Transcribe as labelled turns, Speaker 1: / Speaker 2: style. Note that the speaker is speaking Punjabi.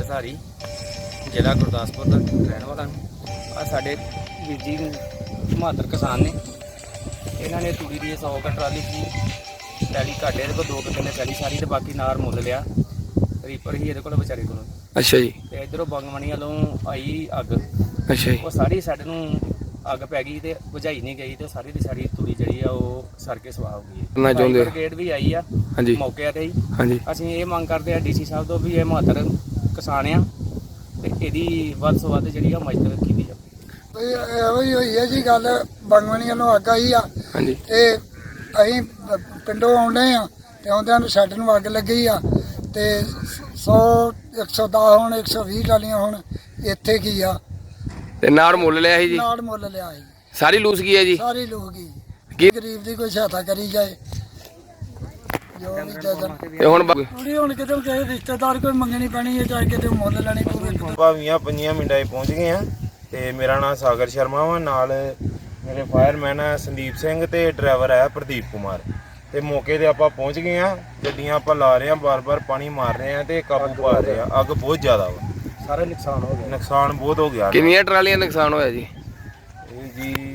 Speaker 1: ਧਾਰੀ ਜ਼ਿਲ੍ਹਾ ਗੁਰਦਾਸਪੁਰ ਦਾ ਰਹਿਣ ਵਾਲਾ ਆ। ਸਾਡੇ ਵੀਰ ਜੀ ਬਹਾਦਰ ਕਿਸਾਨ ਨੇ, ਇਹਨਾਂ ਨੇ ਤੂੜੀ ਦੀ 100 ਕੁ ਟਰਾਲੀ ਸੀ ਪੈਲੀ ਘਾਟੇ ਇਹਦੇ ਕੋਲ 2 ਕਿੱਲੇ ਪੈਲੀ ਸਾਰੀ, ਤੇ ਬਾਕੀ ਨਾਰ ਮੁੱਲ ਲਿਆ। ਰੀਪਰ ਹੀ ਇਹਦੇ ਕੋਲ ਵਿਚਾਰੇ ਕੋਲ।
Speaker 2: ਅੱਛਾ ਜੀ।
Speaker 1: ਤੇ ਇਧਰੋਂ ਬੰਗਮਣੀ ਵੱਲੋਂ ਆਈ ਅੱਗ।
Speaker 2: ਅੱਛਾ ਜੀ।
Speaker 1: ਉਹ ਸਾਰੀ ਸਾਡੇ ਨੂੰ ਅੱਗ ਪੈ ਗਈ ਤੇ ਬੁਝਾਈ ਨਹੀਂ ਗਈ, ਤੇ ਸਾਰੀ ਦੀ ਸਾਰੀ ਤੂੜੀ ਜਿਹੜੀ ਆ ਉਹ ਸੜ ਕੇ ਸਵਾਹ ਹੋ ਗਈ।
Speaker 2: ਕਰਨਾ ਚਾਹੁੰਦੇ
Speaker 1: ਬ੍ਰਿਗੇਡ ਵੀ ਆਈ ਆ
Speaker 2: ਹਾਂਜੀ
Speaker 1: ਮੌਕੇ ਤੇ ਹੀ।
Speaker 2: ਹਾਂਜੀ।
Speaker 1: ਅਸੀਂ ਇਹ ਮੰਗ ਕਰਦੇ ਆ ਡੀਸੀ ਸਾਹਿਬ ਤੋਂ ਵੀ ਇਹ ਬਹਾਦਰ ਕਿਸਾਨ ਆ ਤੇ ਇਹਦੀ ਵੱਧ ਤੋਂ ਵੱਧ ਜਿਹੜੀ ਆ ਮਦਦ ਕੀਤੀ ਜਾਵੇ।
Speaker 3: ਇਹੋ ਹੀ ਹੋਈ ਹੈ ਜੀ ਗੱਲ। ਬੰਗਮਣੀ ਵੱਲੋਂ ਅੱਗ ਆਈ ਆ
Speaker 2: ਹਾਂਜੀ।
Speaker 3: ਤੇ ਅਸੀਂ ਪਿੰਡੋਂ ਆਉਂਦੇ ਆ ਤੇ ਆਉਂਦਿਆਂ ਨੂੰ ਸਾਡੇ ਨੂੰ ਅੱਗ ਲੱਗੀ ਆ ਤੇ 100 110 ਹੁਣ 120 ਟਾਲੀਆਂ ਹੁਣ ਇੱਥੇ ਕੀ ਆ
Speaker 2: ਤੇ ਨਾੜ ਮੁੱਲ ਲਿਆ ਸੀ ਜੀ?
Speaker 3: ਨਾੜ ਮੁੱਲ ਲਿਆ ਸੀ
Speaker 2: ਸਾਰੀ ਲੂਸ ਗਈ ਹੈ ਜੀ?
Speaker 3: ਸਾਰੀ ਲੋਕ ਹੀ।
Speaker 2: ਕੀ
Speaker 3: ਗਰੀਬ ਦੀ ਕੋਈ ਸਹਾਇਤਾ ਕਰੀ ਜਾਏ ਜੋ ਵੀ ਜਦਨ
Speaker 2: ਤੇ ਹੁਣ
Speaker 3: ਥੋੜੀ ਹੁਣ ਕਿਤੇ ਕਿਸੇ ਰਿਸ਼ਤੇਦਾਰ ਕੋਈ ਮੰਗਣੀ ਪੈਣੀ ਹੈ, ਚਾਹੇ ਕਿਤੇ ਮੁੱਲ ਲੈਣੀ ਪਵੇ।
Speaker 4: ਭਾਵੀਆਂ 5 ਮਿੰਟਾਂ 'ਚ ਪਹੁੰਚ ਗਏ ਆ ਤੇ ਮੇਰਾ ਨਾਮ ਸਾਗਰ ਸ਼ਰਮਾ ਵਾ। ਨਾਲ ਮੇਰੇ ਫਾਇਰਮੈਨ ਆ ਸੰਦੀਪ ਸਿੰਘ ਤੇ ਡਰਾਈਵਰ ਹੈ ਪ੍ਰਦੀਪ ਕੁਮਾਰ। ਤੇ ਮੌਕੇ ਤੇ ਆਪਾਂ ਪਹੁੰਚ ਗਏ ਆ। ਗੱਡੀਆਂ ਆਪਾਂ ਲਾ ਰਹੇ ਆ, ਬਾਰ-ਬਾਰ ਪਾਣੀ ਮਾਰ ਰਹੇ ਆ ਤੇ ਕਾਬੂ ਪਾ ਰਹੇ ਆ। ਅੱਗ ਬਹੁਤ ਜ਼ਿਆਦਾ ਵਾ,
Speaker 1: ਸਾਰਾ ਨੁਕਸਾਨ ਹੋ ਗਿਆ।
Speaker 4: ਨੁਕਸਾਨ ਬਹੁਤ ਹੋ ਗਿਆ।
Speaker 2: ਕਿੰਨੀਆਂ ਟਰਾਲੀਆਂ ਨੁਕਸਾਨ ਹੋਇਆ ਜੀ?
Speaker 4: ਇਹ ਜੀ